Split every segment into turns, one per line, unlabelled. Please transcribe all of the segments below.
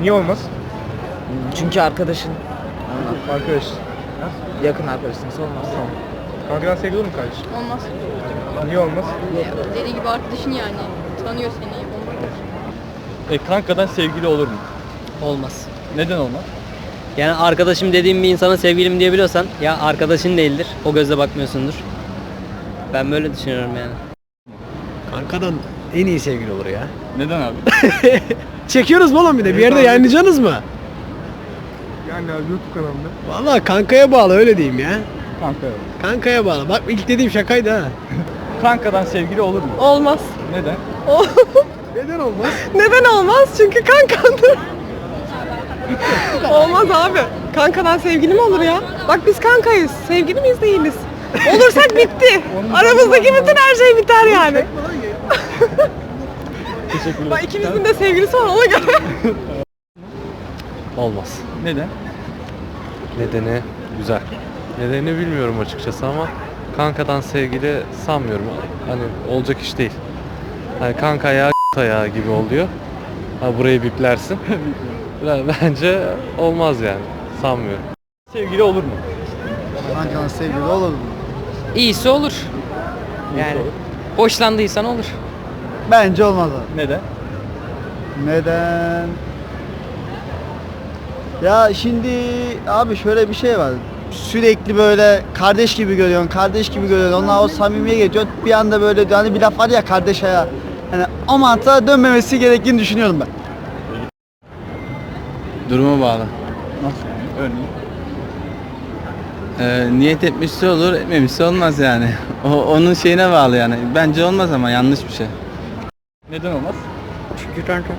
Niye olmaz?
Çünkü arkadaşın,
Arkadaş.
yakın arkadaşınsa olmaz.
Kankadan sevgili olur mu kardeşim?
Olmaz.
Niye olmaz?
Dediği gibi arkadaşın yani. Tanıyor seni. Olmaz.
Kankadan sevgili olur mu?
Olmaz.
Neden olmaz?
Yani arkadaşım dediğim bir insana sevgilim diyebiliyorsan ya arkadaşın değildir. O gözle bakmıyorsundur. Ben böyle düşünüyorum yani.
Kankadan en iyi sevgili olur ya.
Neden abi?
Çekiyoruz mu oğlum bir de? Bir yerde yayınlayacaksınız mı?
Yani abi YouTube kanalında.
Vallahi kankaya bağlı öyle diyeyim ya.
Kanka.
Kankaya bağlı. Bak ilk dediğim şakaydı ha.
Kankadan sevgili olur mu?
Olmaz.
Neden?
Neden olmaz?
Neden olmaz? Çünkü kankandır. Olmaz abi. Kankadan sevgili mi olur ya? Bak biz kankayız. Sevgili miyiz değiliz. Olursak bitti. Aramızdaki bütün her şey biter yani.
Teşekkürler.
Bak ikimizin de sevgilisi var ona göre.
Olmaz.
Neden?
Nedeni güzel. Nedeni bilmiyorum açıkçası ama kankadan sevgili sanmıyorum. Hani olacak iş değil. Hani kanka ayağı ayağı gibi oluyor. Ha, burayı biplersin. Bence olmaz yani. Sanmıyorum.
Sevgili olur mu?
Kankadan sevgili olur mu?
İyisi olur. Yani hoşlandıysan olur.
Bence olmaz abi.
Neden?
Neden? Ya şimdi abi şöyle bir şey var. Sürekli böyle kardeş gibi görüyorsun, kardeş gibi görüyorsun. Onlar o samimiye geçiyor. Bir anda böyle hani bir laf var ya kardeş ayağı. Yani o mantığa dönmemesi gerektiğini düşünüyorum ben.
Duruma bağlı.
Nasıl yani? Örneğin?
Niyet etmişse olur, etmemişse olmaz yani. Onun şeyine bağlı yani. Bence olmaz ama yanlış bir şey.
Neden olmaz?
Çünkü kanka.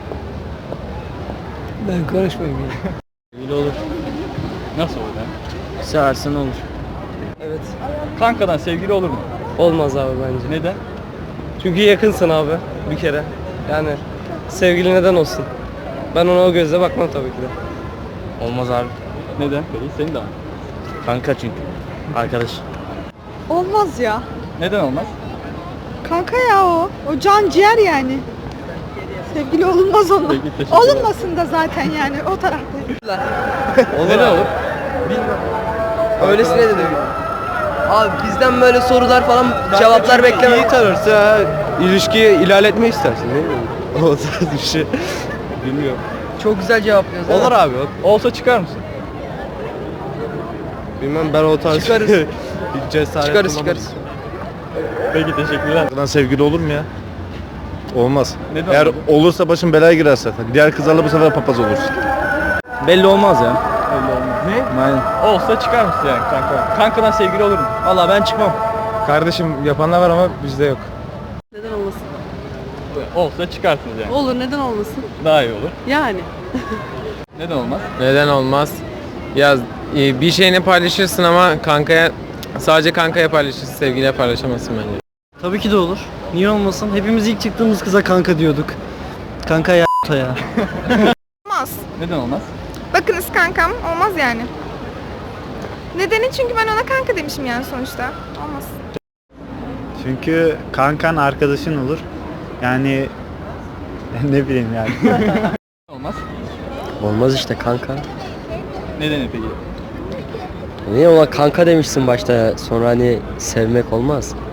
Ben karışmayayım ya.
Sevgili olur. Nasıl olur yani?
Seversen olur.
Evet.
Kankadan sevgili olur mu?
Olmaz abi bence.
Neden?
Çünkü yakınsın abi bir kere. Yani sevgili neden olsun? Ben ona o gözle bakmam tabii ki de.
Olmaz abi.
Neden? Peki senin de var.
Kanka çünkü. Arkadaş.
Olmaz ya.
Neden olmaz?
Kanka ya o. O can ciğer yani. Sevgili olunmaz onunla.
Peki, teşekkürler.
Olunmasın da zaten yani o tarafta.
Neden olur?
Öylesine de abi bizden böyle sorular falan cevaplar bekleme.
İyi tanırsa ilişkiyi ilerletme istersin değil mi? O tarz bir şey.
Bilmiyorum.
Çok güzel cevaplıyoruz.
Olur abi.
Olsa çıkar mısın?
Bilmem ben o tarz
Çıkarız.
cesaret
Çıkarız
bulamam.
çıkarız.
Peki teşekkürler.
Kankadan sevgili olur mu ya? Olmaz.
Neden
Eğer
olur?
olursa başın belaya girer zaten. Diğer kızlarla bu sefer papaz olursun.
Belli olmaz ya.
Öyle olmaz. Ne?
Aynen.
Olsa çıkar mısın yani kanka? Kankadan sevgili olur mu?
Valla ben çıkmam. Kardeşim yapanlar var ama bizde yok.
Neden olmasın?
Olsa çıkarsınız yani.
Olur neden olmasın?
Daha iyi olur.
Yani.
Neden olmaz?
Neden olmaz? Ya bir şeyini paylaşırsın ama sadece kankaya paylaşırsın, sevgiliye paylaşamazsın bence.
Tabii ki de olur. Niye olmasın? Hepimiz ilk çıktığımız kıza kanka diyorduk. Kanka ya.
Olmaz.
Neden olmaz?
Bakınız kankam olmaz yani. Nedeni çünkü ben ona kanka demişim yani sonuçta. Olmaz.
Çünkü kankan arkadaşın olur. Yani ne bileyim yani.
Olmaz.
Olmaz işte kanka.
Nedeni peki?
Niye ona kanka demişsin başta sonra hani sevmek olmaz.